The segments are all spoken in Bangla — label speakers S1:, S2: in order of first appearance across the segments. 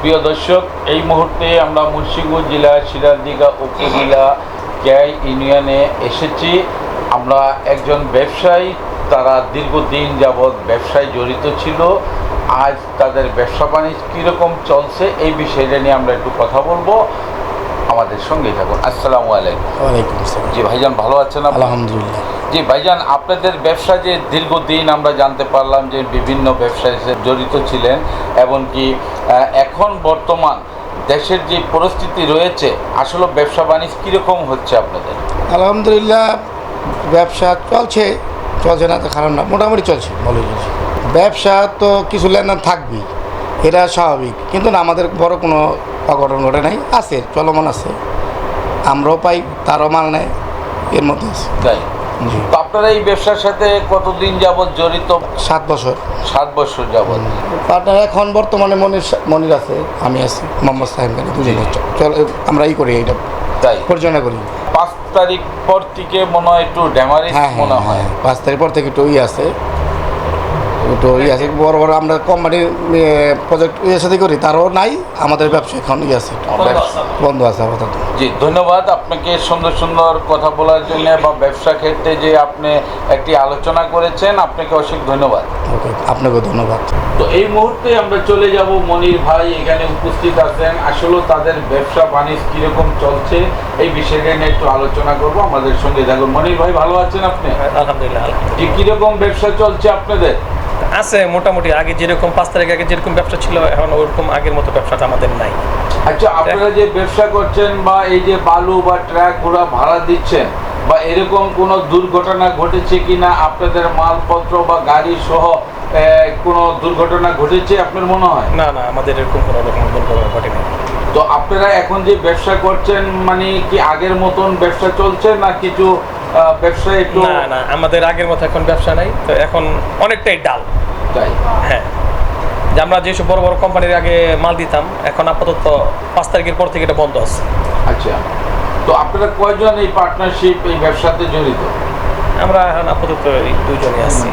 S1: প্রিয় দর্শক, এই মুহূর্তে আমরা মুন্সিগঞ্জ জেলা সিরাজদিঘা উপজেলা ক্যাই ইউনিয়নে এসেছি। আমরা একজন ব্যবসায়ী, তারা দীর্ঘদিন যাবৎ ব্যবসায় জড়িত ছিল। আজ তাদের ব্যবসা বাণিজ্য কীরকম চলছে এই বিষয়টা নিয়ে আমরা একটু কথা বলবো। আমাদের সঙ্গেই থাকুন। আসসালামু আলাইকুম।
S2: ওয়ালাইকুম আসসালাম।
S1: জি ভাইজান, ভালো আছেন?
S2: আলহামদুলিল্লাহ।
S1: জি ভাইজান, আপনাদের ব্যবসা যে দীর্ঘদিন আমরা জানতে পারলাম যে বিভিন্ন ব্যবসায় জড়িত ছিলেন, এমনকি এখন বর্তমান দেশের যে পরিস্থিতি রয়েছে, আসলে ব্যবসা বাণিজ্য কীরকম হচ্ছে আপনাদের?
S2: আলহামদুলিল্লাহ, ব্যবসা চলছে না তো খারাপ না, মোটামুটি চলছে, ভালোই চলছে। ব্যবসা তো কিছু লেনদেন থাকবেই, এটা স্বাভাবিক, কিন্তু না আমাদের বড় কোনো অঘটন ঘটে নাই, আছে, চলমান আছে, আমরাও পাই, তারও মাল নেয়, এর মধ্যে আছে।
S1: তাই?
S2: জি।
S1: তো আপনারা এই ব্যবসার সাথে কতদিন যাবৎ জড়িত?
S2: 7 বছর।
S1: 7 বছর যাবৎ।
S2: পার্টনার এখন বর্তমানে মনির আছে, আমি আছি, মোহাম্মদ সাহেব গানি, দুজন চল আমরা করি, এইটা
S1: তাই
S2: পরিচালনা করি।
S1: 5 তারিখ পর থেকে মনে হয় একটু ড্যামারেজ মনে হয়।
S2: 5 তারিখ পর থেকে একটু আছে, বড় বড় আমরা কোম্পানির প্রজেক্ট সাথে করি, তারও নাই, আমাদের ব্যবসা এখন আছে, বন্ধ আছে আপাতত।
S1: জি, ধন্যবাদ আপনাকে সুন্দর সুন্দর কথা বলার জন্য, বা ব্যবসা ক্ষেত্রে যে আপনি একটি আলোচনা করেছেন, আপনাকে অনেক ধন্যবাদ।
S2: ওকে, আপনাকেও ধন্যবাদ।
S1: তো এই মুহূর্তে আমরা চলে যাব, মনির ভাই এখানে উপস্থিত আছেন। আসলে তাদের ব্যবসা বাণিজ্য কীরকম চলছে এই বিষয়টা নিয়ে একটু আলোচনা করব। আমাদের সঙ্গে থাকুন। মনির ভাই, ভালো আছেন আপনি?
S3: আলহামদুলিল্লাহ।
S1: জি, কীরকম ব্যবসা চলছে আপনাদের?
S3: আছে মোটামুটি, আগে যেরকম 5 তারিখ আগে যেরকম ব্যবসা ছিল, এখন ওরকম আগের মতো ব্যবসাটা আমাদের নাই।
S1: আচ্ছা, আপনারা যে ব্যবসা করছেন বা এই যে বালু বা ট্রাক ঘোড়া ভাড়া দিচ্ছেন, বা এরকম কোনো দুর্ঘটনা ঘটেছে কিনা? আপনাদের মালপত্র বা গাড়ি সহ কোনো দুর্ঘটনা ঘটেছে আপনার মনে হয়?
S3: না, আমাদের এরকম কোনো রকম দুর্ঘটনা ঘটেনি।
S1: তো আপনারা এখন যে ব্যবসা করছেন, মানে কি আগের মতন ব্যবসা চলছে না কিছু ব্যবসা একটু?
S3: না, আমাদের আগের মতো এখন ব্যবসা নাই, তো এখন অনেকটাই ডাল।
S1: তাই?
S3: হ্যাঁ, যে আমরা যেসব বড় বড় কোম্পানির আগে মাল দিতাম, এখন আপাতত 5 তারিখের পর থেকে এটা বন্ধ আছে।
S1: আচ্ছা, তো আপনারা কয়জন এই পার্টনারশিপ এই ব্যবসাতে জড়িত?
S3: আমরা এখন আপাতত এই 2 জনই আছি।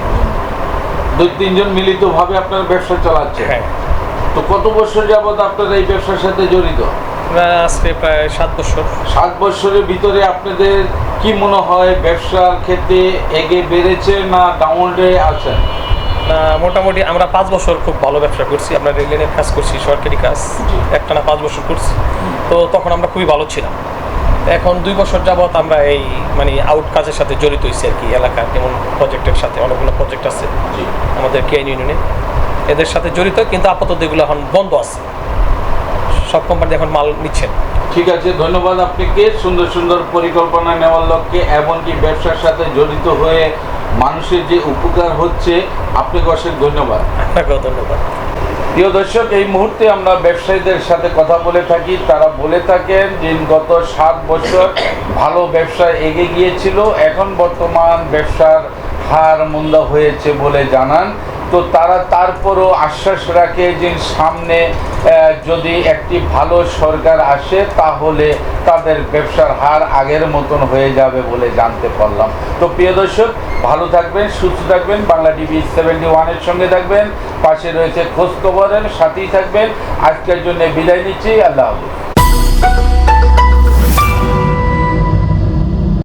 S1: 2-3 জন মিলিতভাবে আপনারা ব্যবসা চালাচ্ছে?
S3: হ্যাঁ।
S1: তো কত বছর যাবত আপনারা এই ব্যবসার সাথে জড়িত?
S3: আমরা আজকে প্রায় 7 বছর।
S1: 7 বছরের ভিতরে আপনাদের কি মনে হয়, ব্যবসার ক্ষেত্রে এগিয়ে বেড়েছে না ডাউনে আছেন?
S3: মোটামুটি আমরা 5 বছর খুব ভালো ব্যবসা করছি। আমরা রেললাইনের কাজ করছি, সরকারি কাজ, একটানা 5 বছর করছি। তো তখন আমরা খুবই ভালো ছিলাম। এখন 2 বছর যাবৎ আমরা এই আউট কাজের সাথে জড়িত হয়েছি আর কি। এলাকার যেমন প্রজেক্টের সাথে, অনেকগুলো প্রজেক্ট আছে আমাদের কেআইন ইউনিয়নে, এদের সাথে জড়িত, কিন্তু আপাতত এগুলো এখন বন্ধ আছে। সব কোম্পানি এখন মাল নিচ্ছেন।
S1: ঠিক আছে, ধন্যবাদ আপনাকে। সুন্দর সুন্দর পরিকল্পনা নেওয়ার লক্ষ্যে, এমনকি ব্যবসার সাথে জড়িত হয়ে মানুষের যে উপকার হচ্ছে, আপনাকে অশেষ ধন্যবাদ।
S3: আপনাকেও ধন্যবাদ।
S1: প্রিয় দর্শক, এই মুহূর্তে আমরা ব্যবসায়ীদের সাথে কথা বলে থাকি। তারা বলে থাকেন যে গত 7 বছর ভালো ব্যবসা এগিয়ে গিয়েছিল, এখন বর্তমান ব্যবসার হার মন্দা হয়েছে বলে জানান। তো তারা তারপরও আশ্বাস রাখে যে সামনে যদি একটি ভালো সরকার আসে, তাহলে তাদের ব্যবসার হার আগের মতন হয়ে যাবে বলে জানতে পারলাম। তো প্রিয় দর্শক, ভালো থাকবেন, সুস্থ থাকবেন, বাংলা টিভি 71-এর সঙ্গে থাকবেন, পাশে রয়েছে খোঁজ খবরের সাথেই থাকবেন। আজকের জন্য বিদায় নিচ্ছি। আল্লাহ হাফেজ।